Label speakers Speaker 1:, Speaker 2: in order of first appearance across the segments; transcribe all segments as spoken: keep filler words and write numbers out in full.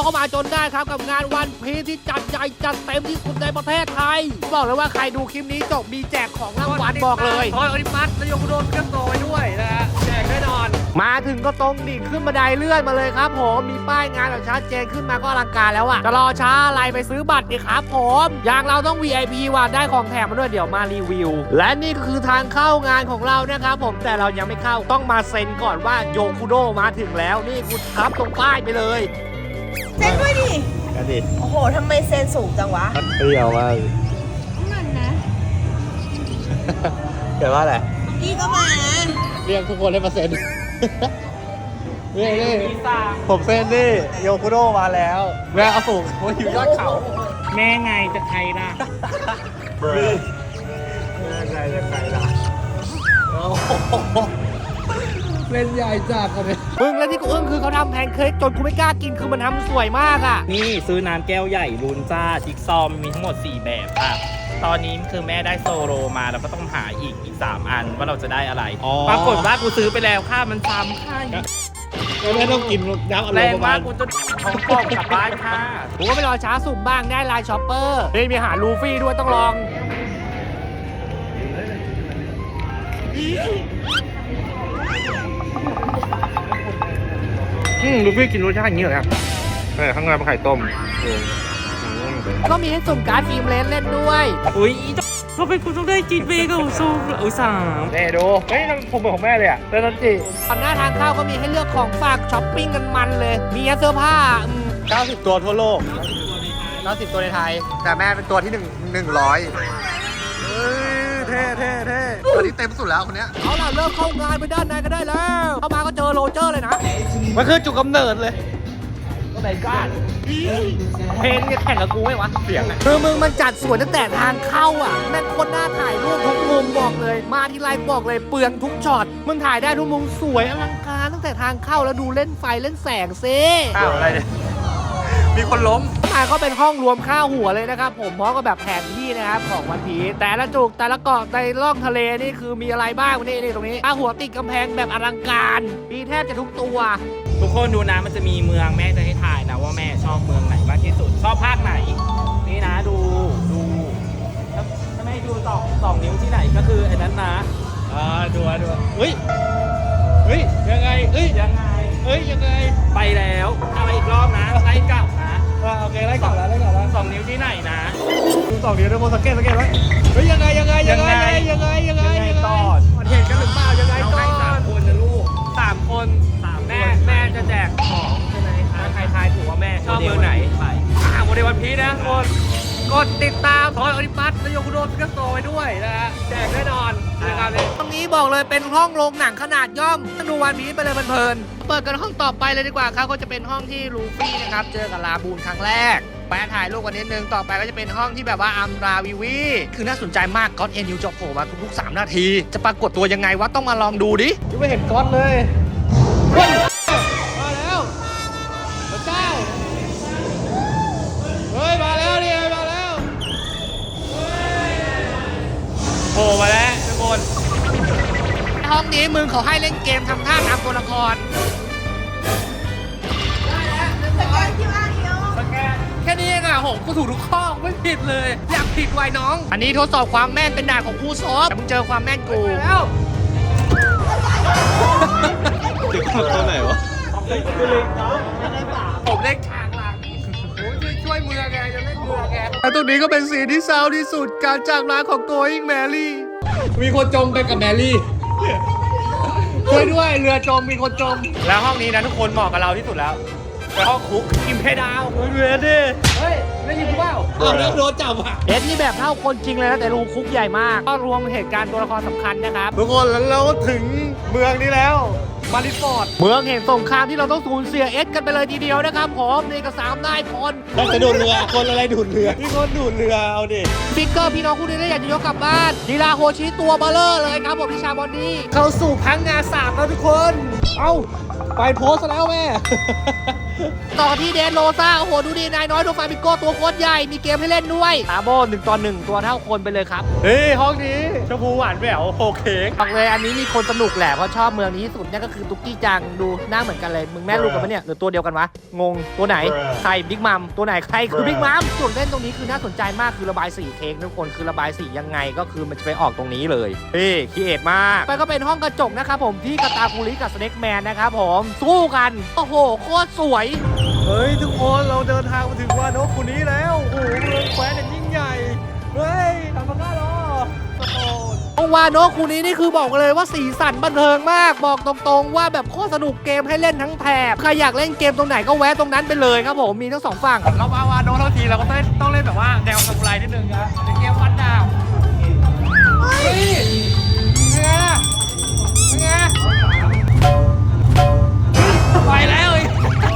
Speaker 1: ก็มาจนได้ครับกับงานวันพีซที่จัดใหญ่จัดเต็มที่สุดในประเทศไทยบอกเลยว่าใครดูคลิปนี้จบมีแจกของรางวัลบอกเลย
Speaker 2: ทอยออริมัสนายกโดนเครื่องโตไปด้วยนะฮะแจกแน่นอน
Speaker 1: มาถึงก็ตรงดิ่งขึ้นบันไดเลื่อนมาเลยครับผมมีป้ายงานแบบชัดเจนขึ้นมาก็อลังการแล้วอะจะรอช้าอะไรไปซื้อบัตรดิครับผมอย่างเราต้อง วี ไอ พี ว่ะได้ของแถมมาด้วยเดี๋ยวมารีวิวและนี่ก็คือทางเข้างานของเรานะครับผมแต่เรายังไม่เข้าต้องมาเซ็นก่อนว่าโยคุโดมาถึงแล้วนี่กูทับตรงป้ายไปเลย
Speaker 3: เซ็นด้วยดิ
Speaker 4: กันดิ
Speaker 3: โอ้โหทำไมเซ็นสูงจังวะ
Speaker 4: เปรี้ยวมาก
Speaker 3: มันนะ
Speaker 4: เกิดว่าอะไร
Speaker 3: พี่ก็มา
Speaker 4: เรียกทุกคนให้มาเซ็นนี่นี่ผมเซ็นดิโยคุโดมาแล้วแม่เอาสูงผมอยู่ยอดเขา
Speaker 2: แม่ไงจะใครล่ะ
Speaker 4: แม่ไงจะใครล่ะเล่นใหญ่จัดเลย
Speaker 1: มึงแล้วที่กูอึ้งคือเขาทำแพนเค้กจนกูไม่กล้ากินคือมันทำสวยมากอ่ะ
Speaker 2: นี่ซื้อน้ำแก้วใหญ่ลุนจ้าจิ๊กซอมมีทั้งหมดสี่แบบค่ะตอนนี้คือแม่ได้โซโลมาแล้วก็ต้องหาอีกอีกสามอันว่าเราจะได้อะไรปรากฏว่ากูซื้อไปแล้วค่ามันซ้ำค่า
Speaker 4: แล้วแม่ต้องกินน้ำอารมณ์ประมาณ
Speaker 2: กูจะของกล่องกลับบ้านค่ะ
Speaker 1: กูก็ไปรอช้าสุ่มบ้างได้ไลน์ช็อปเปอร์นี่มีอาหารลูฟี่ด้วยต้องลอง
Speaker 4: อืมลูฟี่กินรสชาติอย่างนี้เหรอครับแต่ข้างในเป็นไข่ต้ม
Speaker 1: ก็มีให้สุ่มการ์ดฟิล์มเลนเล่นด้วย
Speaker 2: อุ้ยทำไมคุณต้องได้กินเบเกิลซูอุตส่าห์
Speaker 4: แม่ดูเฮ้ยผมเป็นของแม่เลยอ่ะเต้นจี
Speaker 1: ตอนหน้าทางเข้าก็มีให้เลือกของฝากช้อปปิ้งกันมันเลยมีเสื้อผ้า
Speaker 4: เก้าสิบตัวทั่วโลกเก้าสิบตัวในไทยแต่แม่เป็นตัวที่หนึ่งหนึ่งร้อยเฮ้ยเท่เท่เท่ตัวนี้เต็มสุดแล้วคนเนี้ย
Speaker 1: เอาล่ะเริ่มเข้างานไปด้านในก็ได้แล้วเข้ามาก็เจอโรเจอร์เลยนะ
Speaker 4: มันคือจุดกำเนิดเลย
Speaker 1: ก็ไหนกันเพลงจะแข่งกับกูไหมวะเสียงอ่ะคือมึงมันจัดสวยตั้งแต่ทางเข้าอ่ะแม่งคนหน้าถ่ายรูปทุกมุมบอกเลยมาที่ไลฟ์บอกเลยเปลืองทุกช็อตมึงถ่ายได้ทุกมุมสวยอลังการตั้งแต่ทางเข้าแล้วดูเล่นไฟเล่นแสงซิ
Speaker 4: อ้าวอะไรเนี่ยมีคนล้ม
Speaker 1: มาก็เป็นห้องรวมข้าวหัวเลยนะครับผมพร้อมกับแบบแผนที่นะครับของวันพีซแต่ละจุกแต่ละเกาะในล่องทะเลนี่คือมีอะไรบ้างนี่นี่ตรงนี้ข้าวหัวติดกำแพงแบบอลังการมีแทบจะทุกตัว
Speaker 2: ทุกคนดูนะมันจะมีเมืองแม่จะให้ถ่ายนะว่าแม่ชอบเมืองไหนมากที่สุดชอบภาคไหนนี่นะดูดูถ้าไม่ดูสองสองนิ้วที่ไหนก็คือไอ้นั้นนะ
Speaker 4: อ่าดูดูเฮ้ยเฮ้ยยังไงเฮ้ย
Speaker 2: ยังไง
Speaker 4: เฮ้ยยังไง
Speaker 2: ไปแล้วอะไรอีกรอบนะไล่กลับนะ
Speaker 4: โอเคไล่กลับแล้วไล่กลับแล้ว
Speaker 2: สองนิ้วที่ไหนนะ
Speaker 4: ดูสองนิ้วด้วยโมสังเกตสังเกตไว้เฮ้ยยังไงยังไงยังไงยังไงยังไงยังไง
Speaker 2: ก่อน
Speaker 4: เห็นกันหรือเปล่ายังไงก่อน
Speaker 2: สามคนนะลูกสามคนสามแม่แม่จะแจกของใช่ไหมถ้าใครทายถูกว่าแม่ชอบเบอร์ไหนไปอ่าโมเดลวันพีนะคนกดติดตามทอยออริมัสนายกโดนเครื่องโตไปด้วยนะฮะแจกแน่นอนนะครับ
Speaker 1: ตรงนี้บอกเลยเป็นห้องโรงหนังขนาดย่อมดูวันพีซไปเลยเพลินๆเปิดกันห้องต่อไปเลยดีกว่าครับก็จะเป็นห้องที่ลูฟี่นะครับเจอกับลาบูนครั้งแรกไปถ่ายรูปกันนิดนึงต่อไปก็จะเป็นห้องที่แบบว่าอัมราวิวีคือน่าสนใจมากก็อตเอ็นยูจะโผล่มาทุกๆสามนาทีจะปรากฏตัวยังไงวะต้องมาลองดูดิ
Speaker 4: ยังไม่เห็นก๊อตเลย
Speaker 1: มาแล้วพระเจ้า
Speaker 4: เฮ้ยมาแล้วนี่มาแล้ว
Speaker 2: โผล่มาแล้วทุกคน
Speaker 1: ห้องนี้มึงเขาให้เล่นเกมทำท่าตามตัวละครแค่นี้เองอ่ะผมกูถูกทุกข้อไม่ผิดเลยอยากผิดไว้น้องอันนี้ทดสอบความแม่นเป็นด่านของครูซอฟแต่มึงเจอความแม่นกูแล้ว
Speaker 4: เด็กตัวไหนวะ
Speaker 1: ผมเล่นฉากหลังช่วยมือแกจะเล่นมือแกแต่ตรงนี้ก็เป็นสีที่เศร้าที่สุดการจากลาของตัวอิงแมรี่
Speaker 4: มีคนจมไปกับแมรี่
Speaker 1: ช่วยด้วยเรือจมมีคนจมแล้วห้องนี้นะทุกคนเหมาะกับเราที่สุดแล้วไปห้องคุกกินเพดาว
Speaker 4: เรือดิ
Speaker 1: เฮ้ยได้ยินกูเปล่า
Speaker 4: อ้าวแล้วโดนจับอ่ะ
Speaker 1: เอ็ดนี่แบบเท่าคนจริงเลยนะแต่รูคุกใหญ่มากก็รวมเหตุการณ์ตัวละครสำคัญนะครับ
Speaker 4: ทุกคนแล้วเราถึงเมืองนี้แล้วมาริฟอร์ด
Speaker 1: เมืองแห่งสงครามที่เราต้องสูญเสียเอ็ดกันไปเลยทีเดียวนะครับผมนี่ก็สามนายพล
Speaker 4: เราจะดูดเรือคนอะไรดูดเรือพี่คนดูดเรือเอาดิ
Speaker 1: ฟิกเกอร์พี่น้องคู่นี้ได้อยากจะยกกลับบ้านดีลาโฮชิตัวเบลเลอร์เลยครับผมที่ชาบอนดี้เข้าสู่พังงาสามแล้วทุกคน
Speaker 4: เอ้าไปโพสแล้วแม่
Speaker 1: ต่อที่เดนโรซ่าโอ้โหดูดีนายน้อยโดฟามิโก้ตัวโคตรใหญ่มีเกมให้เล่นด้วยตาโบหนึ่งต่อหนึ่งตัวเท่าคนไปเลยครับ
Speaker 4: เฮ้ยห้องนี้ชมพูหวานแหววโอเคก
Speaker 1: บอกเลยอันนี้มีคนสนุกแหละเพราะชอบเมืองนี้ที่สุดนั่นก็คือตุ๊กกี้จังดูหน้าเหมือนกันเลยมึงแม่ลูกกันปะเนี่ยหรือตัวเดียวกันวะงงตัวไหนใครบิ๊กมัมตัวไหนใครคือบิ๊กมัมส่วนเล่นตรงนี้คือน่าสนใจมากคือระบายสีเค้กทุกคนคือระบายสียังไงก็คือมันจะไปออกตรงนี้เลยเฮ้คิดเอทมากไปก็เป็นห้องกระจกนะครับผมที่กาตาคุริกับสเน็กแมนนะครับผมสู้กันโอ้โหโคตรสวย
Speaker 4: เฮ้ยทุกคนเราเดินทางมาถึงวานโนะคุนี้แล้วโอ้โหเมืองแคว้นอันยิ่งใหญ่เฮ้ยทำมาก้าหรอโอ้โห
Speaker 1: วาโนะคูนี้นี่คือบอกเลยว่าสีสันบันเทิงมากบอกตรงๆว่าแบบโคตรสนุกเกมให้เล่นทั้งแถบใครอยากเล่นเกมตรงไหนก็แวะตรงนั้นไปเลยครับผมมีทั้งสองฝั่ง
Speaker 2: เรามาวาโดทั้งทีเราก็ต้องต้องเล่นแบบว่าแนวซามูไรนิดนึงนะในเกมฟันดาบเฮ้ยเป็นไงเป็นไงไปแล้วอีก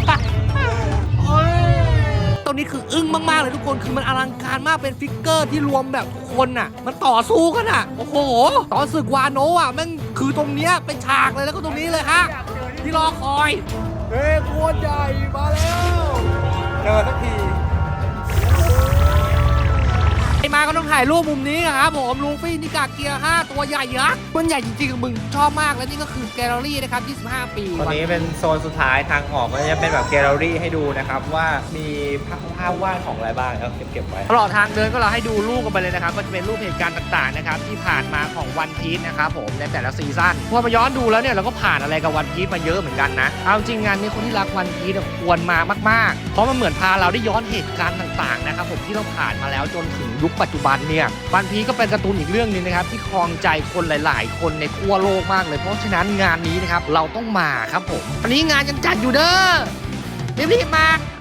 Speaker 1: ตรงนี้คืออึ้งมากๆเลยทุกคนคือมันอลังการมากเป็นฟิกเกอร์ที่รวมแบบทุกคนน่ะมันต่อสู้กันอ่ะโอ้โหต่อศึกวาโนะอ่ะแม่งคือตรงเนี้ยเป็นฉากเลยแล้วก็ตรงนี้เลยฮะที่รอคอย
Speaker 4: เฮ้ยโคตรใหญ่มาแล้วเจอสักที
Speaker 1: ไอมาก็ต้องถ่ายรูปมุมนี้ครับผมลูฟี่นิกาเกียร์ห้าตัวใหญ่ยักษ์มันใหญ่จริงๆมึงชอบมากและนี่ก็คือแกลเลอรี่นะครับยี่สิบห้าปี
Speaker 2: ตอนนี้เป็นโซนสุดท้ายทางออกมันจะเป็นแบบแกลเลอรี่ให้ดูนะครับว่ามีภาพภาพวาดของอะไรบ้างแล้วเก็บเก็บไว้
Speaker 1: ตลอดทางเดินก็เราให้ดูรูปกันไปเลยนะครับก็จะเป็นรูปเหตุการณ์ต่างๆนะครับที่ผ่านมาของวันพีชนะครับผมในแต่ละซีซั่นพอมาย้อนดูแล้วเนี่ยเราก็ผ่านอะไรกับวันพีชมาเยอะเหมือนกันนะเอาจริงงานนี้คนที่รักวันพีชควรมามากๆเพราะมันเหมือนพาเราได้ย้อนเหตุการณ์ต่างๆนะครับผมที่เราผ่านมาแล้วจนถึงยุคปัจจุบันเนี่ยวันพีชก็เป็นการ์ตูนอีกเรื่องนึงนะครับที่ครองใจคนหลายๆคนในทั่วโลกมากเลยเพราะฉะนั้นงานนี้นะครับเราต้องมาครับผมวันนี้งานยังจัดอยู่เด้อรีบๆมา